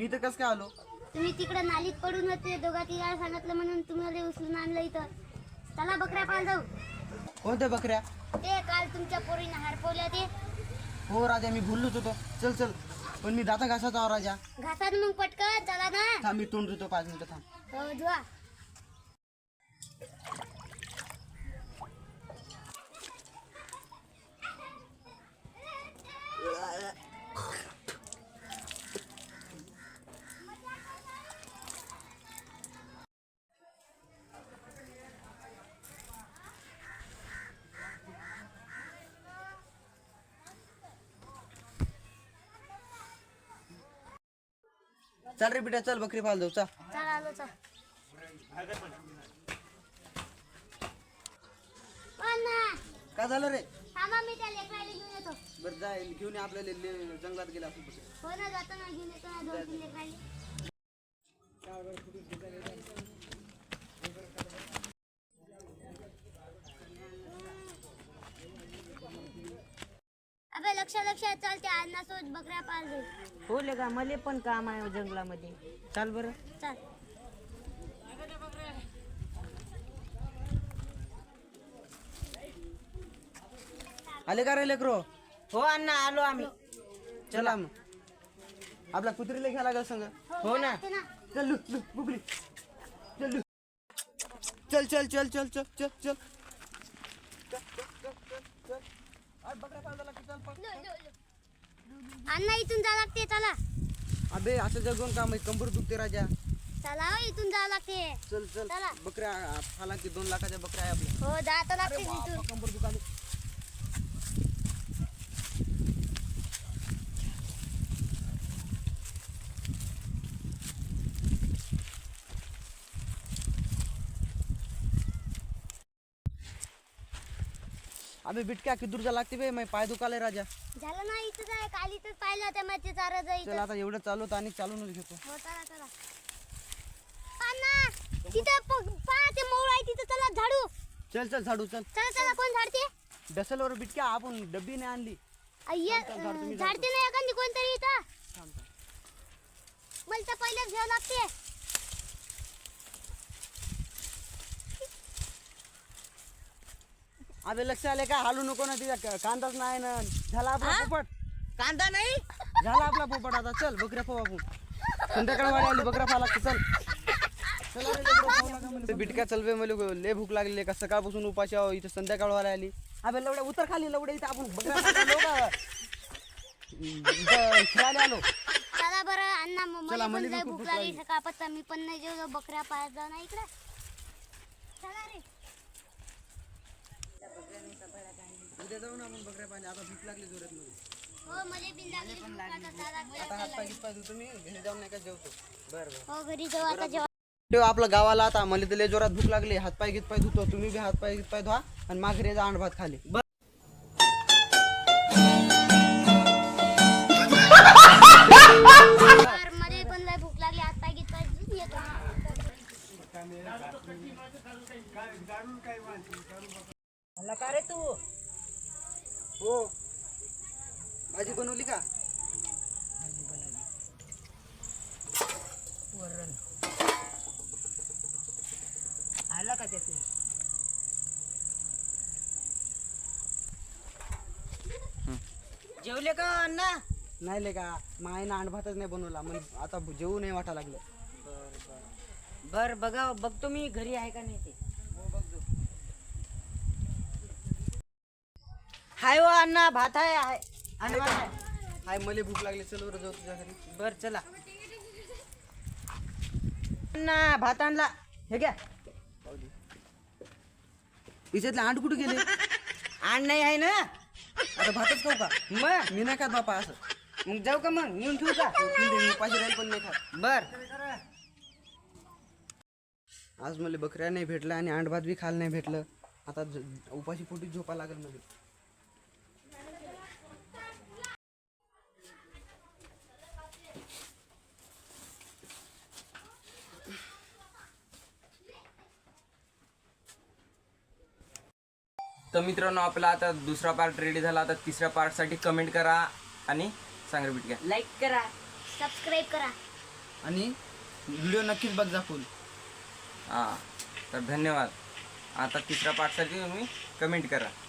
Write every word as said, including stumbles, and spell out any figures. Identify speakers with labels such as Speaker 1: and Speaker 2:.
Speaker 1: मी तर कसं काय आलो?
Speaker 2: तुम्ही तिकडे नालीत पडून होते, दोघा तिघा सांगितलं म्हणून तुम्हाला उचलून आणलं इथं. चला बकऱ्या पाल जाऊ.
Speaker 1: कोणत्या बकऱ्या?
Speaker 2: ते काल तुमच्या पोरीने हरपवल्या ते.
Speaker 1: हो राजा, मी भुललोच होतो. चल चल, पण मी दाता घासाचा आहो राजा.
Speaker 2: घासात मग पटकन चला ना.
Speaker 1: थांब, मी तोंड धुतो, पाच मिनिटं थांब.
Speaker 2: हो धुवा.
Speaker 1: चल रे बेटा, चल बकरी पाल जाऊ. चल
Speaker 2: चल आलो चल. अण्णा
Speaker 1: काय झालं रे?
Speaker 2: थांबा, मी त्या लेकराला घेऊन येतो.
Speaker 1: बरं जाय, घेऊन ये आपल्याला ले- जंगलात गेला आपण बकरी.
Speaker 2: हो ना, जाताना घेऊन येतो ना दोन तीन लेकराला. अबे लक्ष लक्ष चालते, अण्णा सोबत बकऱ्या पाल जाऊ.
Speaker 3: हो लेगा, मले पण काम आहे जंगलामध्ये. चाल बरं.
Speaker 2: चल.
Speaker 1: आले का रे लेकरो?
Speaker 3: हो अण्णा, आलो आम्ही.
Speaker 1: चला मग, आपल्या कुत्रीला घ्या लागल संग.
Speaker 3: हो ना.
Speaker 2: ते ना.
Speaker 1: चल लू लू बुकली. चल लू. चल चल चल चल चल चल चल.
Speaker 2: अण्णा इथून जा लागते, चला.
Speaker 1: अबे असं जगून काम आहे, कंबर दुखते राजा.
Speaker 2: चला हो, इथून जा लागते.
Speaker 1: चल चल.
Speaker 2: चला.
Speaker 1: बकऱ्या हालांकी दोन लाखाच्या बकऱ्या आहे आपल्या.
Speaker 2: हो जात लागते इथून.
Speaker 1: कंबर दुखाली. अबे बिटक्या किती दूर जा लागते बे, मैं पाय दुखाले राजा.
Speaker 2: झालं ना, इथं जाय. काल इथंच पाहिलं होतं मग ते चारा
Speaker 1: चल
Speaker 2: जायचं.
Speaker 1: आता एवढं चालवत आणि चालूनच घेतो.
Speaker 2: हो चला चला. अण्णा तिथं पहा, ते मोळ आहे तिथं, चला झाडू.
Speaker 1: चल चल झाडू चल.
Speaker 2: चला चला. कोण झाडते?
Speaker 1: डसलवर बिटक्या आपण डब्बी नाही आणली.
Speaker 2: अय्या,
Speaker 1: चल, झाड तुम्ही
Speaker 2: झाडते नाही एखादी कोणतरी इथं.
Speaker 1: थांब, थांब.
Speaker 2: मला तर पहिलेच घ्यावं लागते.
Speaker 1: अबे लक्ष आले का? हालू नको ना, तिच्या कांदाच नाही ना. झाला आपला पोपट.
Speaker 3: कांदा नाही.
Speaker 1: झाला आपला पोपट. आता चल बकऱ्या पाहू आपण. संध्याकाळ वाडी आली, बकऱ्या पाहा लागते. चल चला रे लेकरं, खाऊ लागा म्हणे. बिटक्या चल बे, मला लय भूक लागली का सकाळपासून उपाशी आहो. इथं संध्याकाळ वाडी आली. अबे लवड्या उतर खाली, लवड्या इथं आपण बकऱ्या पाहायला का इथं खेळायला आलो.
Speaker 2: चला बरं अण्णा, मग
Speaker 1: चला,
Speaker 2: मला पण
Speaker 1: मला
Speaker 2: लय
Speaker 1: बी खूप
Speaker 2: भूक
Speaker 1: भूक
Speaker 2: लागली
Speaker 1: लागली.
Speaker 2: सकाळपासून. मी पण नाही जेवलो, बकऱ्या पाहायला जाऊ ना इकडे. चला रे.
Speaker 1: उद्या जाऊ ना आपण बकऱ्या पाहिजे. आता भूक लागली जोरात मध्ये.
Speaker 2: हो मला बिन लागली भूक आता. चला,
Speaker 1: आता हात पाय घेत पाय धुतो मी, घरी जाऊन नाही का जेवतो. बरं बरं.
Speaker 2: हो घरी जाऊ आता जेव्हा.
Speaker 1: ठेव आपलं गावाला. आता मला तर लय जोरात भूक लागली. हात पाय घेत पाय धुतो. तुम्ही बी हात पाय घेत पाय धुवा आणि माघारी जा अंड भात खाली.
Speaker 2: मला पण लय भूक लागली, हात पाय घेत पाय धुवून येतो.
Speaker 3: मला का रे तू?
Speaker 1: हो, भाजी बनवली का?
Speaker 3: वरण आला का त्याचे? जेवले का अण्णा?
Speaker 1: नाही ले का, मायनं अंड भातच नाही बनवला. मग आता जेवू नाही वाटा लागलं.
Speaker 3: बर बघा, बघतो मी घरी आहे का नाही ते. हाय हो अण्णा, भात आहे. आहे अंड भात आहे.
Speaker 1: हाय, मला भूक लागली. चल बरं जाऊ तुझ्या घरी.
Speaker 3: बर चला. अण्णा भात आणला, हे घ्या.
Speaker 1: हिच्यातले अंड कुठे गेले?
Speaker 3: आण नाही आहे ना.
Speaker 1: आता भातच खाऊ का?
Speaker 3: मग
Speaker 1: मी नाही खात बापा असं.
Speaker 3: मग जाऊ का, मग नेऊन ठेवू का?
Speaker 1: मी उपाशी राहील पण नाही खात.
Speaker 3: बर.
Speaker 1: आज मला बकऱ्या नाही भेटल्या आणि अंड भात बी खायला नाही भेटलं. आता ज- उपाशी पोटी झोपा लागेल मला.
Speaker 4: तर मित्रांनो, आपला आता दुसरा पार्ट रेडी झाला. आता तिसऱ्या पार्टसाठी कमेंट करा आणि सांगा रिपीट घ्या.
Speaker 3: लाईक करा.
Speaker 2: सबस्क्राईब करा.
Speaker 1: आणि व्हिडिओ नक्कीच बघ जा फुल.
Speaker 4: हां तर धन्यवाद. आता तिसऱ्या पार्टसाठी तुम्ही कमेंट करा.